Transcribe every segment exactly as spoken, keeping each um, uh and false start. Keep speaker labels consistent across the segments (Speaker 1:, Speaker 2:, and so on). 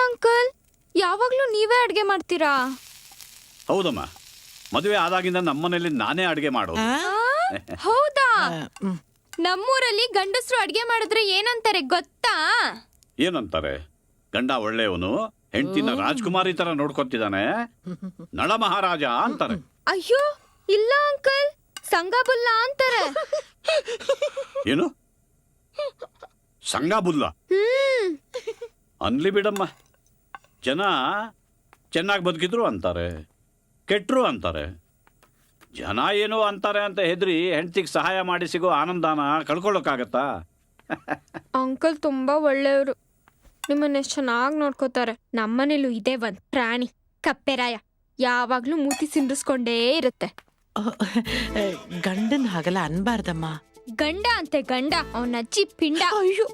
Speaker 1: Uncle, ಯಾವಾಗ್ಲೂ ನೀವೇ ಅಡ್ಗೆ ಮಾಡ್ತೀರಾ?
Speaker 2: ಹೌದಮ್ಮ, ಮದುವೆ ಆದಾಗಿಂದ ನಮ್ಮನೇಲಿ ನಾನೇ ಅಡುಗೆ ಮಾಡೋದು.
Speaker 1: ಹೌದಾ? ನಮ್ಮೂರಲ್ಲಿ ಗಂಡಸರು ಅಡ್ಗೆ ಮಾಡಿದ್ರೆ ಏನಂತಾರೆ ಗೊತ್ತಾ?
Speaker 2: ಏನಂತಾರೆ? ಗಂಡ ಒಳ್ಳೆಯವನು, ಹೆಂಡತಿನ ರಾಜ್ಕುಮಾರಿ ತರ ನೋಡ್ಕೊತಿದ್ದಾನೆ, ನಳ ಮಹಾರಾಜ ಅಂತಾರೆ.
Speaker 1: ಅಯ್ಯೋ ಇಲ್ಲ ಅಂಕಲ್, ಸಂಗಾಬುಲ್ಲ ಅಂತಾರೆ.
Speaker 2: ಏನು ಸಂಗಾಬುಲ್ಲ? ಅನ್ಲಿ ಬಿಡಮ್ಮ, ಜನ ಚೆನ್ನಾಗಿ ಬದುಕಿದ್ರು ಅಂತಾರೆ, ಕೆಟ್ಟರು ಅಂತಾರೆ. ಜನ ಏನೋ ಅಂತಾರೆ ಅಂತ ಹೆದ್ರಿ ಹೆಂಡತಿಗೆ ಸಹಾಯ ಮಾಡಿ ಸಿಗೋ ಆನಂದನ ಕಳ್ಕೊಳ್ಳೋಕ್ಕಾಗತ್ತಾ?
Speaker 1: ಅಂಕಲ್ ತುಂಬಾ ಒಳ್ಳೆಯವರು, ನಿಮ್ಮನ್ನ ಎಷ್ಟು ಚೆನ್ನಾಗಿ ನೋಡ್ಕೋತಾರೆ. ನಮ್ಮನೇಲೂ ಇದೆ ಒಂದ್ ಪ್ರಾಣಿ, ಕಪ್ಪೆರಾಯ. ಯಾವಾಗ್ಲೂ ಮೂತಿ ಸಿಂಡಿಸ್ಕೊಂಡೇ ಇರುತ್ತೆ.
Speaker 3: ಗಂಡನ್ ಹಾಗಲ್ಲ ಅನ್ಬಾರ್ದಮ್ಮ.
Speaker 1: ಗಂಡ ಅಂತೆ ಗಂಡ, ಅವನ ಅಜ್ಜಿ ಪಿಂಡ. ಅಯ್ಯೋ,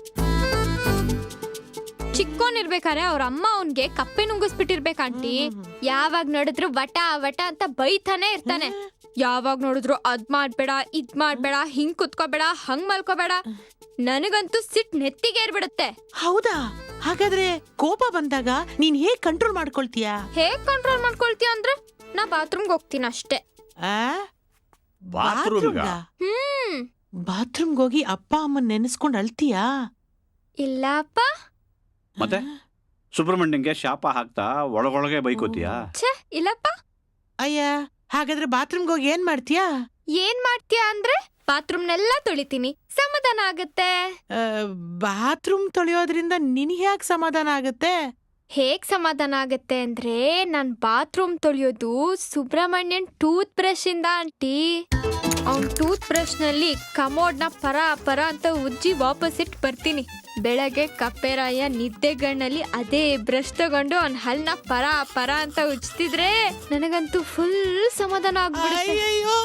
Speaker 1: ಚಿಕ್ಕೋನಿರ್ಬೇಕಾರೆ ಅವ್ರ ಅಮ್ಮ ಅವನ್ಗೆ ಕಪ್ಪೆ ನುಂಗಿಸ್ಬಿಟ್ಟಿರ್ಬೇಕು ಆಂಟಿ. ಯಾವಾಗ ನೋಡಿದ್ರು ವಟ ವಟ ಅಂತ ಬೈತಾನೆ ಇರ್ತಾನೆ. ಯಾವಾಗ ನೋಡಿದ್ರು ಅದ್ ಮಾಡ್ಬೇಡ, ಇದ್ ಮಾಡ್ಬೇಡ, ಹಿಂಗ್ ಕುತ್ಕೋಬೇಡ, ಹಂಗ್ ಮಲ್ಕೋಬೇಡ. ನನಗಂತೂ ಸಿಟ್ ನೆತ್ತಿಗೆ ಏರ್ಬಿಡುತ್ತೆ.
Speaker 3: ಹೌದಾ? ಹಾಗಾದ್ರೆ ಕೋಪ ಬಂದಾಗ ನೀನ್ ಹೇಗ್ ಕಂಟ್ರೋಲ್ ಮಾಡ್ಕೊಳ್ತೀಯಾ?
Speaker 1: ಹೇಗ್ ಕಂಟ್ರೋಲ್ ಮಾಡ್ಕೊಳ್ತೀಯ ಅಂದ್ರೆ, ನಾ ಬಾತ್ರೂಮ್ಗೆ ಹೋಗ್ತೀನಿ ಅಷ್ಟೇ.
Speaker 2: ಬಾತ್ರೂಮ್ಗ?
Speaker 1: ಹ್ಮ್.
Speaker 3: ಬಾತ್ರೂಮ್ಗೆ ಹೋಗಿ ಅಪ್ಪ ಅಮ್ಮನ್ ನೆನೆಸ್ಕೊಂಡ್ ಅಳ್ತೀಯಾ?
Speaker 1: ಇಲ್ಲ ಅಪ್ಪ.
Speaker 2: ಮತ್ತೆ ಸುಬ್ರಹ್ಮಣ್ಯಂಗೆ ಶಾಪ ಹಾಕ್ತಾ ಒಳಗೊಳಗೆ ಬೈಕೋತೀಯಾ?
Speaker 1: ಛೇ ಇಲ್ಲಪ್ಪ.
Speaker 3: ಅಯ್ಯ, ಹಾಗಾದ್ರೆ ಬಾತ್ರೂಮ್ಗೆ ಹೋಗಿ ಏನ್ ಮಾಡ್ತೀಯಾ?
Speaker 1: ಏನ್ ಮಾಡ್ತೀಯ ಅಂದ್ರೆ, ಬಾತ್ರೂಮ್ನೆಲ್ಲ ತೊಳಿತೀನಿ, ಸಮಾಧಾನ ಆಗತ್ತೆ.
Speaker 3: ಬಾತ್ರೂಮ್ ತೊಳೆಯೋದ್ರಿಂದ ನಿನಗೆ ಯಾಕೆ ಸಮಾಧಾನ ಆಗತ್ತೆ?
Speaker 1: ಹೇಗ್ ಸಮಾಧಾನ ಆಗತ್ತೆ ಅಂದ್ರೆ, ನಾನ್ ಬಾತ್ರೂಮ್ ತೊಳೆಯೋದು ಸುಬ್ರಹ್ಮಣ್ಯನ್ ಟೂತ್ ಬ್ರಷ್ ಇಂದ ಆಂಟಿ. ಅವ್ನ್ ಟೂತ್ ಬ್ರಷ್ ನಲ್ಲಿ ಕಮೋಡ್ನ ಪರ ಪರ ಅಂತ ಉಜ್ಜಿ ವಾಪಸ್ ಇಟ್ಟು ಬರ್ತೀನಿ. ಬೆಳಗ್ಗೆ ಕಪ್ಪೆರಾಯ ನಿದ್ದೆಗಣ್ಣಲ್ಲಿ ಅದೇ ಬ್ರಷ್ ತಗೊಂಡು ಅವ್ನ ಹಲ್ನ ಪರ ಪರ ಅಂತ ಉಜ್ತಿದ್ರೆ ನನಗಂತೂ ಫುಲ್ ಸಮಾಧಾನ ಆಗ್ಬಿಡುತ್ತೆ.
Speaker 3: ಅಯ್ಯಯ್ಯೋ,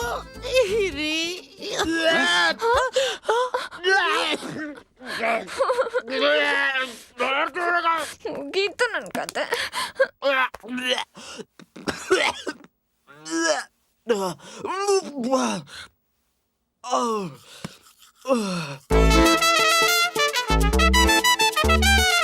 Speaker 1: ಮುಗೀತು ನನ್ ಕತೆ.
Speaker 4: Oh.